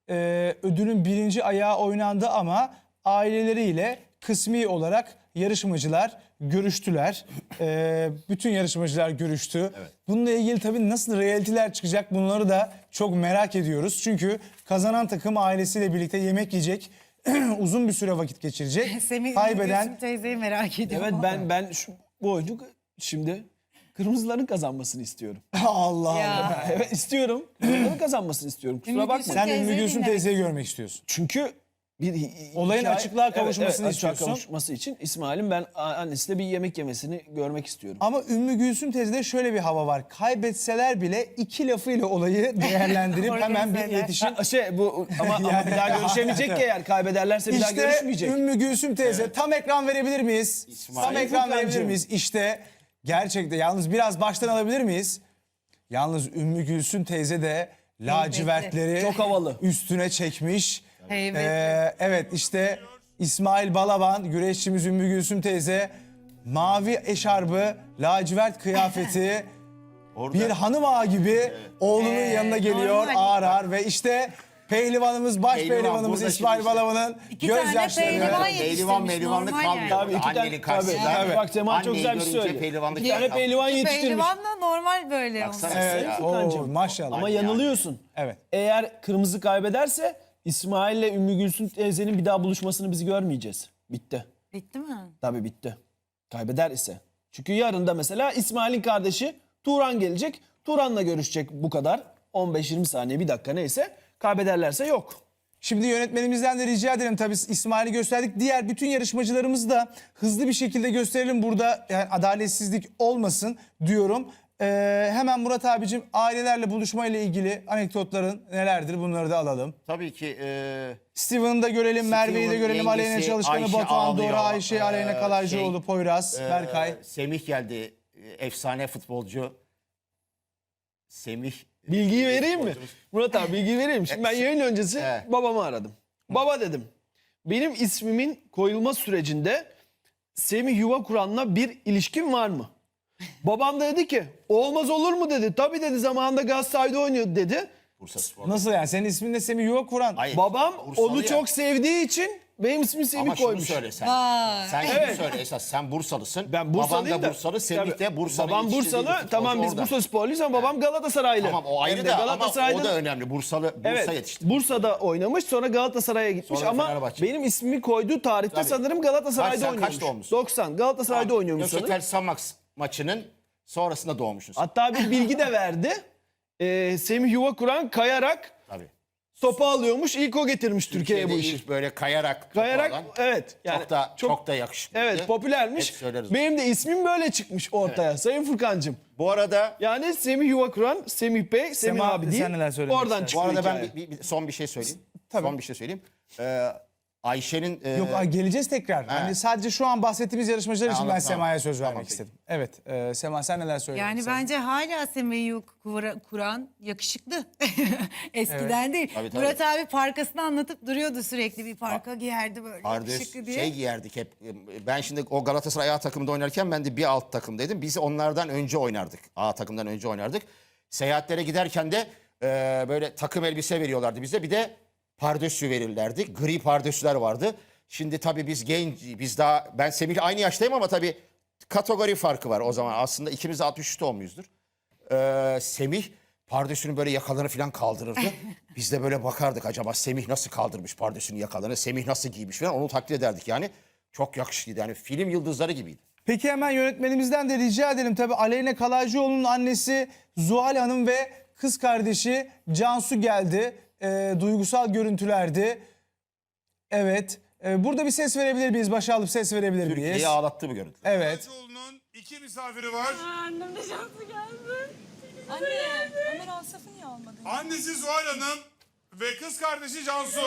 ödülün birinci ayağı oynandı ama aileleriyle kısmi olarak yarışmacılar görüştüler. Bütün yarışmacılar görüştü. Evet. Bununla ilgili tabii nasıl realiteler çıkacak bunları da çok merak ediyoruz. Çünkü kazanan takım ailesiyle birlikte yemek yiyecek. Uzun bir süre vakit geçirecek. Semih Kaybeden teyzeyi merak ediyorum. Evet bu oyunu şimdi kırmızıların kazanmasını istiyorum. Allah Ya. Allah. Evet istiyorum. Kırmızıların kazanmasını istiyorum. Kusura Ümmü bakma. Gülsüm Sen teyzeyi Ümmü Gülsüm dinlemek teyzeyi görmek istiyorsun. Çünkü bir Olayın açıklığa kavuşmasını açıklığa istiyorsun. kavuşması için İsmail'in ben annesiyle bir yemek yemesini görmek istiyorum. Ama Ümmü Gülsüm teyzede şöyle bir hava var. Kaybetseler bile iki lafıyla olayı değerlendirip hemen bir Organizeler. iletişim. Ama bir daha görüşemeyecek ki eğer kaybederlerse bir daha İşte görüşmeyecek. Ümmü Gülsüm teyze tam ekran verebilir miyiz? İsmail. Tam ekran verebilir Furkancığım. miyiz? İşte gerçekten yalnız biraz baştan alabilir miyiz? Yalnız Ümmü Gülsüm teyze de lacivertleri Çok havalı. üstüne çekmiş. Heybetli. Evet işte İsmail Balaban, güreşçimiz Ümmü Gülsüm teyze mavi eşarbı, lacivert kıyafeti bir hanım ağa gibi oğlunun yanına geliyor normal. ağır ağır ve işte pehlivanımız, baş Pehlivan pehlivanımız burada İsmail şimdi işte. Balaban'ın İki tane gözyaşlarını... pehlivan Pehlivanlık yetiştirmiş, normal kalmıyor. yani. Tabii iki tane Annenin karşısında. tabii. Bak Sema çok güzel bir şey görünce söyledi. pehlivanlık Bir tane yapar. pehlivan yetiştirmiş. Pehlivan da normal böyle. Baksana. olmuş. Evet, Ya. oo, maşallah. Ama yanılıyorsun. Evet. Eğer kırmızı kaybederse İsmail'le Ümmü Gülsüm teyzenin bir daha buluşmasını biz görmeyeceğiz. Bitti. Bitti mi? Tabii bitti. Kaybeder ise. Çünkü yarın da mesela İsmail'in kardeşi Turan gelecek. Turan'la görüşecek bu kadar. 15-20 saniye bir dakika neyse. Kaybederlerse yok. Şimdi yönetmenimizden de rica edelim tabii İsmail'i gösterdik. Diğer bütün yarışmacılarımızı da hızlı bir şekilde gösterelim. Burada yani adaletsizlik olmasın diyorum. Hemen Murat abicim ailelerle buluşmayla ilgili anekdotların nelerdir bunları da alalım. Tabii ki Steven'ı da görelim, Merve'yi de görelim, yengesi Aleyna Çalışkan'ı, Ayşe Batuhan, ağlıyor. Dora, Ayşe, Aleyna Kalaycıoğlu, Poyraz, Berkay. Semih geldi. Efsane futbolcu. Semih. Bilgiyi vereyim mi? futbolcumuz. Murat abi bilgiyi vereyim mi? Şimdi ben yayın öncesi Evet. babamı aradım. Baba dedim. Benim ismimin koyulma sürecinde Semih Yuva Kur'an'la bir ilişkin var mı? Babam da dedi ki olmaz olur mu dedi. Tabii dedi zamanında Galatasaray'da oynuyordu dedi. Bursaspor. Nasıl yani? Senin ismin de Semih Yuva Kur'an. Hayır, Babam Bursalı onu ya. çok sevdiği için benim ismimi Semih Ama şunu koymuş. söyle sen. Vay. Sen şunu Evet. söyle esas. Sen Bursalısın. Ben Bursalıyım Baban da da. Bursalı. Semih Tabii. de Bursa'nın Babam yetiştirdiği bir Bursalı. futbolcu Tamam biz orada. Bursa sporluyuz ama babam Galatasaraylı. Tamam o Hem ayrı de da ama Galatasaray'da o da önemli. Bursa Evet, yetişti. Bursa'da oynamış sonra Galatasaray'a gitmiş Sonra ama Fenerbahçe. benim ismimi koyduğu tarihte Tabii. sanırım Galatasaray'da Sen oynuyormuş. kaçta olmuşsun? 90. Galatasaray'da oynuyormuş sanırım. Gökçetel Samax maçının sonrasında doğmuşsun. Hatta bir bilgi de verdi. Semih Yuva Kur'an kayarak Tabii. topu alıyormuş. İlk o getirmiş Türkiye'ye bu Türkiye'de işi. ilk böyle kayarak Kayarak alan, evet. Yani çok da yakışıklı. Evet popülermiş. Hep söyleriz. Benim de ismim böyle çıkmış ortaya Sayın Furkancığım. Bu arada Yani Semih Yuva Kur'an, Semih Bey, Semih Sema, abi değil. sen neler söylemek Oradan istersin? bu çıktı arada ben hikaye. son bir şey söyleyeyim. Tabii. Son bir şey söyleyeyim. Ayşe'nin Yok geleceğiz tekrar. Hani sadece şu an bahsettiğimiz yarışmacılar için ben anladım, Sema'ya tamam. söz vermek Tamam, peki. istedim. Evet Sema sen neler söyledin? Yani bence hala Semih'i kuran yakışıklı. Eskiden değil. Tabii, tabii. Murat abi parkasını anlatıp duruyordu sürekli. Bir parka giyerdi böyle yakışıklı diye. şey giyerdik hep. Ben şimdi o Galatasaray A takımında oynarken ben de bir alt takımdaydım. Biz onlardan önce oynardık. A takımdan önce oynardık. Seyahatlere giderken de böyle takım elbise veriyorlardı bize. Bir de pardösü verirlerdi. Gri pardösüler vardı. Şimdi tabii biz daha ben Semih'le aynı yaştayım ama tabii kategori farkı var o zaman. Aslında ikimiz de 63 doğumluyuzdur. Semih pardösünün böyle yakalarını falan kaldırırdı. Biz de böyle bakardık acaba Semih nasıl kaldırmış pardösünün yakalarını, Semih nasıl giymiş falan onu taklit ederdik yani. Çok yakışıklıydı yani film yıldızları gibiydi. Peki hemen yönetmenimizden de rica edelim. Tabii Aleyna Kalaycıoğlu'nun annesi Zuhal Hanım ve kız kardeşi Cansu geldi. Duygusal görüntülerdi. Evet. Burada bir ses verebilir miyiz? Başa alıp ses verebilir miyiz? Türkiye'yi ağlattı bu görüntü. Evet. Kalaycıoğlu'nun 2 misafiri var. Annem de şansı geldi. Anne, Ömer Asaf'ı niye almadın? Annesi Zuhal Hanım ve kız kardeşi Cansu.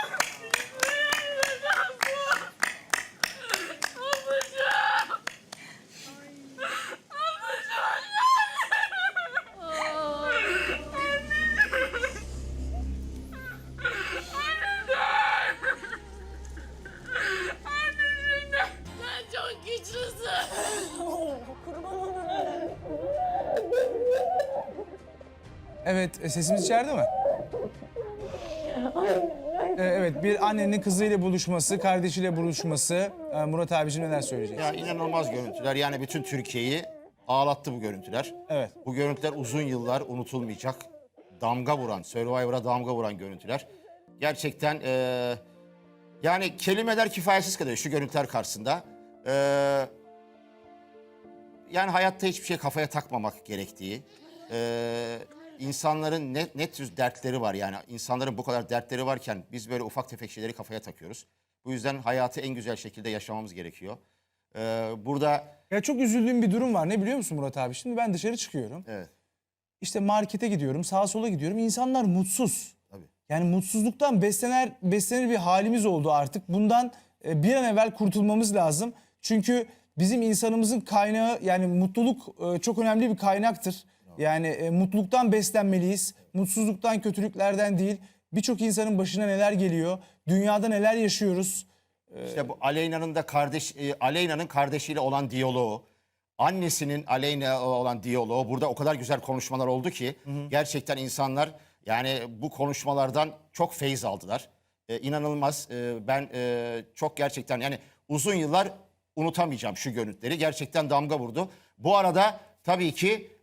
Sen çok güçlüsün. Evet. Sesimiz içeride mi? Evet, bir annenin kızıyla buluşması, kardeşiyle buluşması. Murat abicim neler söyleyeceksin? Ya inanılmaz görüntüler. Yani bütün Türkiye'yi ağlattı bu görüntüler. Evet. Bu görüntüler uzun yıllar unutulmayacak. Damga vuran, Survivor'a damga vuran görüntüler. Gerçekten yani kelimeler kifayetsiz kalıyor şu görüntüler karşısında. Yani hayatta hiçbir şey kafaya takmamak gerektiği. İnsanların ne tür dertleri var yani. İnsanların bu kadar dertleri varken biz böyle ufak tefek şeyleri kafaya takıyoruz. Bu yüzden hayatı en güzel şekilde yaşamamız gerekiyor. Burada Ya çok üzüldüğüm bir durum var. Ne biliyor musun Murat abi? Şimdi ben dışarı çıkıyorum. evet. İşte markete gidiyorum, sağa sola gidiyorum. İnsanlar mutsuz. Tabii. Yani mutsuzluktan beslenir bir halimiz oldu artık. Bundan bir an evvel kurtulmamız lazım. Çünkü bizim insanımızın kaynağı, yani mutluluk çok önemli bir kaynaktır. Yani mutluluktan beslenmeliyiz. Mutsuzluktan, kötülüklerden değil. Birçok insanın başına neler geliyor, dünyada neler yaşıyoruz. İşte bu Aleyna'nın kardeşiyle olan diyaloğu, annesinin Aleyna olan diyaloğu, burada o kadar güzel konuşmalar oldu ki gerçekten insanlar yani bu konuşmalardan çok feyz aldılar. İnanılmaz. Ben çok gerçekten yani uzun yıllar unutamayacağım şu görüntüleri. Gerçekten damga vurdu. Bu arada tabii ki